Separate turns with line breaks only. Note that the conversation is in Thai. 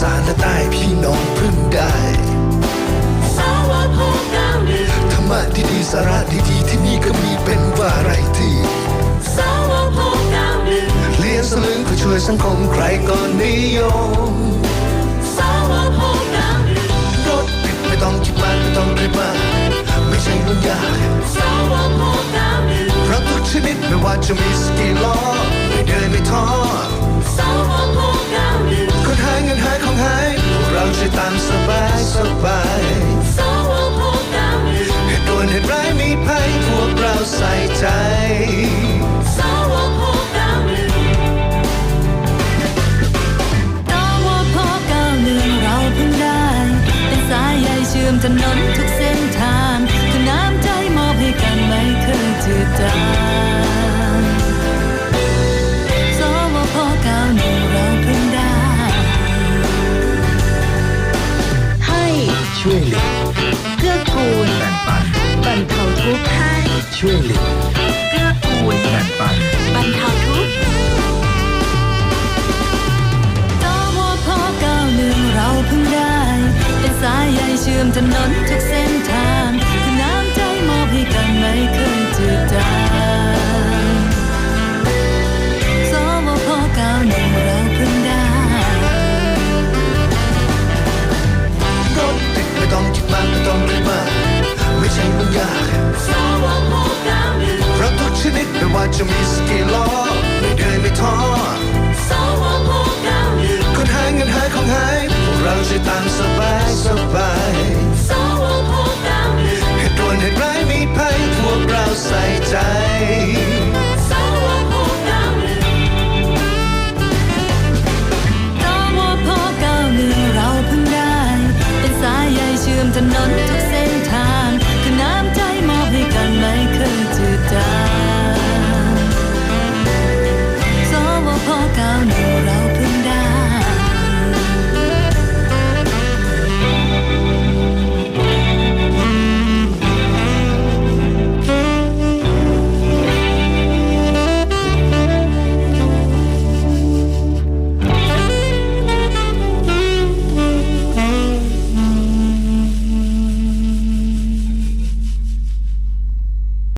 สานและใต้พี่น้องพึ่งได้
สวพ91ธรรมะดีๆสาระดีๆที่นี่ก็มีเป็นวาไรตี้สวพ91
เลี้ยงสลึงเพื่อช่วยสังคมใครก็นิยม
สวพ91
รถติดไม่ต้องคิดมากไม่ต้องคิดมากไม่ใช่เรื่องยาก
สวพ91
รถทุกชนิดไม่ว่าจะมีสกี่ล้อไม่เดินไม่ท้อ
สวพ91
คนหายเงินหายของหายพวกเราช่วยตามสบายสบาย
สวพ91
เหตุด่วนเหตุร้ายมีภัยพวกเราใส่ใจ
สวพ91เราเพิ่งได้เป็นสายใยเชื่อมถนนทุกเส้นทางคือน้ำใจมอบให้กันไม่เคยจืดจางสวพ91เราเพิ่งได้
ให้
ช่วยเหลือ
เกื้อกูล
แบ่งปัน
บรรเทาทุกข์ให้
ช่วยเหลือ
เกื้อกูล
แบ่งปัน
บรรเทาทุกข์
สวพ91เราเพิ่งได้เป็นสายใยเชื่อมถนนทุกเส้นทางคือน้ำใจมอบให้กันไม่เคยจืดจางสวพ91เราเพิ่งได้
รถติดไม่ต้องคิดมากไม่ต้องคิดมากไม่ใช่เรื่องยาก
สวพ91
รถทุกชนิดไม่ว่าจะมีสกี่ล้อไม่เดินไม่ท้อ
สวพ91
คนหายเงินหายของหายพวกเราช่วยตามสบายสบาย
สวพ91
เหตุด่วนเหตุร้ายมีภัยพวกเราใส่ใจ
สวพ91สวพ91เราเพิ่งได้เป็นสายใยเชื่อมถนนทุก